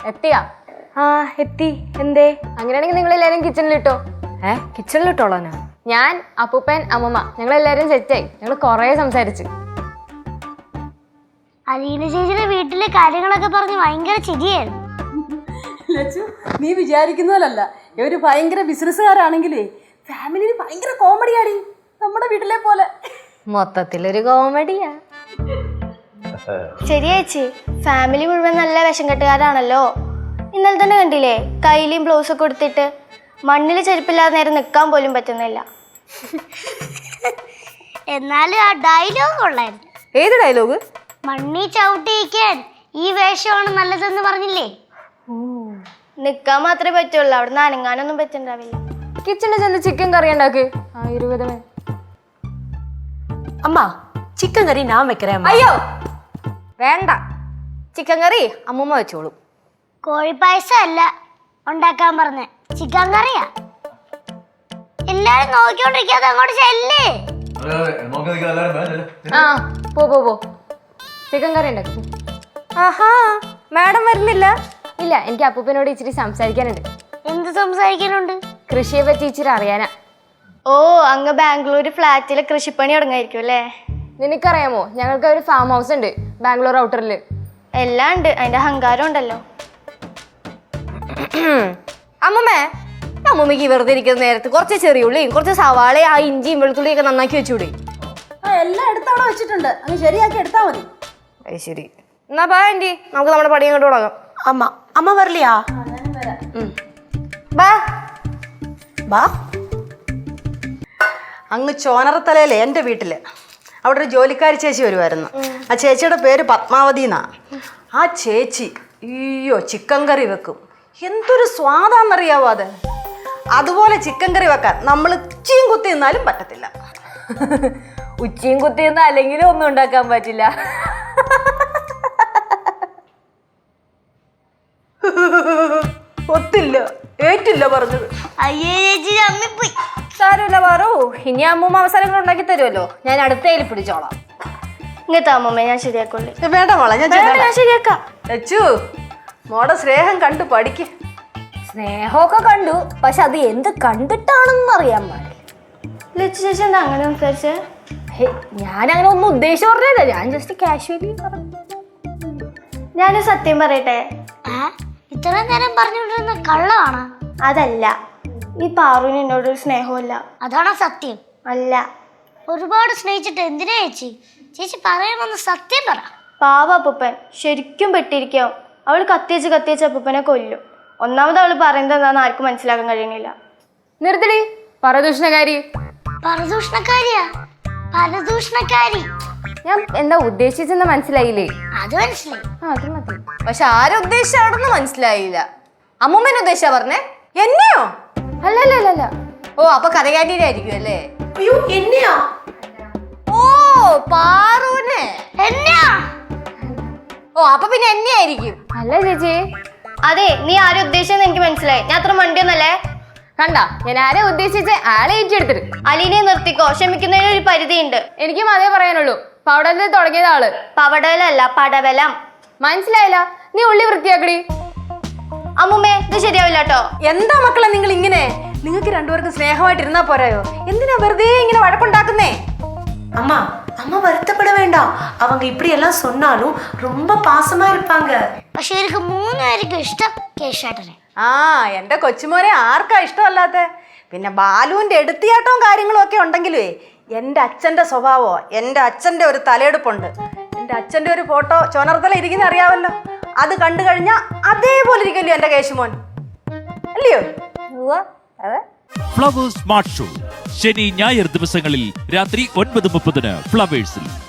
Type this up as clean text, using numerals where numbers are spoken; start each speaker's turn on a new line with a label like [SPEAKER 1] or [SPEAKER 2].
[SPEAKER 1] എത്തിയാ?
[SPEAKER 2] ആ എത്തി. എന്തേ?
[SPEAKER 1] അങ്ങനെയാണെങ്കിൽ നിങ്ങൾ എല്ലാരും കിച്ചണിലിട്ടോ.
[SPEAKER 2] കിച്ചണിലിട്ടോളാനാ?
[SPEAKER 1] ഞാൻ, അപ്പൂപ്പൻ, അമ്മമ്മ ഞങ്ങൾ എല്ലാരും സെറ്റായി. ഞങ്ങൾ കൊറേ സംസാരിച്ചു.
[SPEAKER 3] അലീന ചേച്ചിയുടെ വീട്ടിലെ കാര്യങ്ങളൊക്കെ പറഞ്ഞ് ഭയങ്കര ചിരിയായിരുന്നു.
[SPEAKER 4] നീ വിചാരിക്കുന്നതല്ല, ഇവര് ഭയങ്കര ബിസിനസ്സുകാരാണെങ്കിലേ ഫാമിലിയിൽ ഭയങ്കര കോമഡിയാടി, നമ്മുടെ വീട്ടിലെ പോലെ.
[SPEAKER 2] മൊത്തത്തിലൊരു കോമഡിയാ.
[SPEAKER 5] ശരി ചേച്ചി, ഫാമിലി മുഴുവൻ നല്ല വിഷം കെട്ടുകാരാണല്ലോ. ഇന്നലെ തന്നെ കണ്ടില്ലേ, കയ്യിലും ബ്ലൗസൊക്കെ കൊടുത്തിട്ട് മണ്ണിൽ ചെരുപ്പില്ലാതെ നേരെ നിൽക്കാൻ പോലും പറ്റുന്നില്ല.
[SPEAKER 3] എന്നാലും ആ ഡയലോഗ് കൊള്ളായിരുന്നു.
[SPEAKER 2] ഏത് ഡയലോഗ്?
[SPEAKER 3] മണ്ണി ചവിട്ടിയിക്കാൻ ഈ വേഷമാണ് നല്ലതെന്ന് പറഞ്ഞില്ലേ?
[SPEAKER 5] നിൽക്കാൻ മാത്രമേ പറ്റുള്ളൂ, അവിടെ നിന്ന് അനങ്ങാനൊന്നും പറ്റുണ്ടാവില്ല.
[SPEAKER 1] കിച്ചണിൽ ചെന്ന് ചിക്കൻ കറി ഉണ്ടാക്ക്. 20
[SPEAKER 2] അമ്മ ചിക്കൻ കറി ഞാൻ വെക്കറേ.
[SPEAKER 1] അയ്യോ
[SPEAKER 2] വേണ്ട, ചിക്കൻ കറി അമ്മൂമ്മ വെച്ചോളൂ.
[SPEAKER 3] കോഴിപ്പായസം അല്ല ഉണ്ടാക്കാൻ പറഞ്ഞ, ചിക്കൻ കറിയാ. എല്ലാരും നോക്കിക്കൊണ്ടിരിക്കാതെ അങ്ങോട്ട് ചെല്ലേ.
[SPEAKER 1] ആ പോ ചിക്കൻ കറി ഉണ്ടാക്കും.
[SPEAKER 2] ആഹാ, മാഡം വരുന്നില്ല?
[SPEAKER 1] ഇല്ല, എനിക്ക് അപ്പൂപ്പനോട് ഇച്ചിരി സംസാരിക്കാനുണ്ട്.
[SPEAKER 3] എന്ത് സംസാരിക്കാനുണ്ട്?
[SPEAKER 1] കൃഷിയെ പറ്റി ഇച്ചിരി അറിയാനാ.
[SPEAKER 5] ഓ, അങ്ങ് ബാംഗ്ലൂർ ഫ്ലാറ്റിലെ കൃഷിപ്പണി തുടങ്ങായിരിക്കും അല്ലേ?
[SPEAKER 1] നിനക്കറിയാമോ, ഞങ്ങൾക്ക് ഒരു ഫാം ഹൗസ് ഉണ്ട് ബാംഗ്ലൂർ ഔട്ടറിൽ.
[SPEAKER 5] എല്ലാം ഉണ്ട്, അതിന്റെ അഹങ്കാരം ഉണ്ടല്ലോ.
[SPEAKER 2] അമ്മമ്മേ, അമ്മൂമ്മക്ക് വെറുതെ ഇരിക്കുന്ന നേരത്ത് കുറച്ച് ചെറിയുള്ളിയും കുറച്ച് സവാളയും ആ ഇഞ്ചിയും വെളുത്തുള്ളിയൊക്കെ നന്നാക്കി വെച്ചൂടെ?
[SPEAKER 4] എല്ലാം എടുത്തവിടെ വെച്ചിട്ടുണ്ട്, അങ്ങ് ശരിയാക്കി എടുത്താ മതി.
[SPEAKER 2] അത് ശരി. എന്നാ ബാ ആന്റി, നമുക്ക് നമ്മുടെ പണി അങ്ങോട്ട് തുടങ്ങാം.
[SPEAKER 4] അമ്മ വരില്ലയാ?
[SPEAKER 2] ബാ
[SPEAKER 4] ബാ. അങ്ങ് ചോനറത്തലയിലെ എൻ്റെ വീട്ടില് അവിടെ ഒരു ജോലിക്കാരി ചേച്ചി വരുമായിരുന്നു. ആ ചേച്ചിയുടെ പേര് പത്മാവതി എന്നാ. ആ ചേച്ചി അയ്യോ ചിക്കൻ കറി വെക്കും, എന്തൊരു സ്വാദാന്നറിയാവോ അത്. അതുപോലെ ചിക്കൻ കറി വെക്കാൻ നമ്മൾ ഉച്ചയും കുത്തി നിന്നാലും പറ്റത്തില്ല.
[SPEAKER 2] ഉച്ചയും കുത്തിയൊന്നും അല്ലെങ്കിലും ഒന്നും ഉണ്ടാക്കാൻ പറ്റില്ല.
[SPEAKER 4] ഒത്തില്ല, ഏറ്റില്ല പറഞ്ഞത്.
[SPEAKER 3] അയ്യേ ചേച്ചി അമ്മിപ്പോയി.
[SPEAKER 2] സാരമില്ല പാറു, ഇനി അമ്മൂമ്മ അവസരങ്ങൾ ഉണ്ടാക്കി തരുമല്ലോ, ഞാൻ അടുത്തയിൽ പിടിച്ചോളാം.
[SPEAKER 5] ഇങ്ങനത്തെ അമ്മമ്മ ഞാൻ ശരിയാക്കൊള്ളി.
[SPEAKER 4] വേണ്ട മോളെ, ഞാൻ
[SPEAKER 5] ശരിയാക്കാം.
[SPEAKER 4] ലച്ചു, മോടെ സ്നേഹം കണ്ടു പഠിക്ക്.
[SPEAKER 2] സ്നേഹമൊക്കെ കണ്ടു, പക്ഷെ അത് എന്ത് കണ്ടിട്ടാണെന്ന് അറിയാൻ പാടില്ല.
[SPEAKER 5] ലച്ചു ചേച്ചി എന്താ അങ്ങനെ സംസാരിച്ചേ?
[SPEAKER 2] ഞാനങ്ങനെ ഒന്നും ഉദ്ദേശിച്ചു പറഞ്ഞില്ല, ഞാൻ ജസ്റ്റ് കാഷ്വലി പറഞ്ഞു.
[SPEAKER 5] ഞാനൊരു സത്യം പറയട്ടെ.
[SPEAKER 3] ഇത്രയും നേരം പറഞ്ഞുകൊണ്ടിരുന്ന കള്ളമാണ്.
[SPEAKER 5] അതല്ല, ഈ പാറുവിന് എന്നോടൊരു സ്നേഹമില്ല.
[SPEAKER 3] അതാണോ സത്യം?
[SPEAKER 5] അല്ല.
[SPEAKER 3] ഒരുപാട് സ്നേഹിച്ചിട്ട് എന്തിനാ ചേച്ചി? ചേച്ചി പറയാമെന്ന് സത്യം പറ.
[SPEAKER 5] പാവ അപ്പൂപ്പൻ ശരിക്കും പെട്ടിരിക്കാവും. അവൾ കത്തിച്ച് അപ്പൂപ്പനെ കൊല്ലും. ഒന്നാമത് അവൾ പറയുന്നത് എന്താണെന്ന് ആർക്കും മനസ്സിലാക്കാൻ കഴിയുന്നില്ല.
[SPEAKER 1] നിർത്തടി പരദൂഷണകാരി.
[SPEAKER 3] പരദൂഷണക്കാരിയാ? പരദൂഷണക്കാരി?
[SPEAKER 1] ഞാൻ എന്താ ഉദ്ദേശിച്ചെന്ന് മനസ്സിലായില്ലേ?
[SPEAKER 3] അത് മനസ്സിലായി.
[SPEAKER 1] അത് മതി.
[SPEAKER 2] പക്ഷെ ആരുദ്ദേശിച്ചാണെന്ന് മനസ്സിലായില്ല. അമ്മൂമ്മേനെ ഉദ്ദേശിച്ചാ പറഞ്ഞേ? എന്നെയോ?
[SPEAKER 1] അല്ല.
[SPEAKER 2] ഓ, അപ്പൊ കഥകാരിയായിരിക്കും അല്ലേ?
[SPEAKER 4] അയ്യോ എന്നെയാ?
[SPEAKER 2] ഓ, പാറുനെ.
[SPEAKER 3] എന്നാ?
[SPEAKER 2] ഓ, അപ്പൊ പിന്നെ എന്നെ ആയിരിക്കും.
[SPEAKER 1] അല്ല ചേച്ചി.
[SPEAKER 5] അതെ, നീ ആരും ഉദ്ദേശിച്ചെന്ന് എനിക്ക് മനസ്സിലായി. ഞാൻ അത്ര മണ്ടിയൊന്നല്ലേ?
[SPEAKER 1] കണ്ട, ഞാൻ ആരെ ഉദ്ദേശിച്ച് ആളെ ഏറ്റെടുത്തിട്ട്.
[SPEAKER 5] അലീനെ നിർത്തിക്കോ, ക്ഷമിക്കുന്നതിന് ഒരു പരിധിയുണ്ട്.
[SPEAKER 1] എനിക്കും അതേ പറയാനുള്ളൂ. പവടലിൽ തുടങ്ങിയത് ആള്.
[SPEAKER 5] പവടലല്ല, പടവലം.
[SPEAKER 1] മനസ്സിലായില്ല? നീ ഉള്ളി വൃത്തിയാക്കടി.
[SPEAKER 5] അമ്മുമ്മേ, ഇത് ശരിയാവില്ല കേട്ടോ.
[SPEAKER 4] എന്താ മക്കളെ നിങ്ങൾ ഇങ്ങനെ? നിങ്ങൾക്ക് രണ്ടുപേർക്കും സ്നേഹമായിട്ടിരുന്നാ പോരായോ? എന്തിനാ വെറുതെ ഇങ്ങനെ വഴക്കുണ്ടാക്കുന്നേ?
[SPEAKER 6] அம்மா அம்மா வருத்தப்பட வேண்டாம். அவங்க இப்படி எல்லாம் சொன்னாலும் ரொம்ப பாசமா இருப்பாங்க.
[SPEAKER 3] പക്ഷെ എനിക്ക് 3 പേർക്കും ഇഷ്ടം കേശാട്ടനെ.
[SPEAKER 4] ആ, എൻ്റെ കൊച്ചുമോനെ ആർക്കാ ഇഷ്ടമല്ലാത്ത? പിന്നെ ബാലുവിൻ്റെ എടുത്തിയാട്ടവും കാര്യങ്ങളും ഒക്കെ ഉണ്ടെങ്കിലേ എൻ്റെ അച്ഛൻ്റെ സ്വഭാവമോ, എൻ്റെ അച്ഛൻ്റെ ഒരു തലയെടുപ്പുണ്ട്. എൻ്റെ അച്ഛൻ്റെ ഒരു ഫോട്ടോ ചോനർത്തല ഇരിക്കുന്ന അറിയാമല്ലോ, അത് കണ്ടു കഴിഞ്ഞാൽ അതേപോലെ ഇരിക്കുമല്ലോ എൻ്റെ കേശുമോൻ, അല്ലയോ? അതെ.
[SPEAKER 7] ഫ്ലവേഴ്സ് സ്മാർട്ട് ഷോ ശനി ഞായർ ദിവസങ്ങളിൽ രാത്രി 9:30 ഫ്ലവേഴ്സിൽ.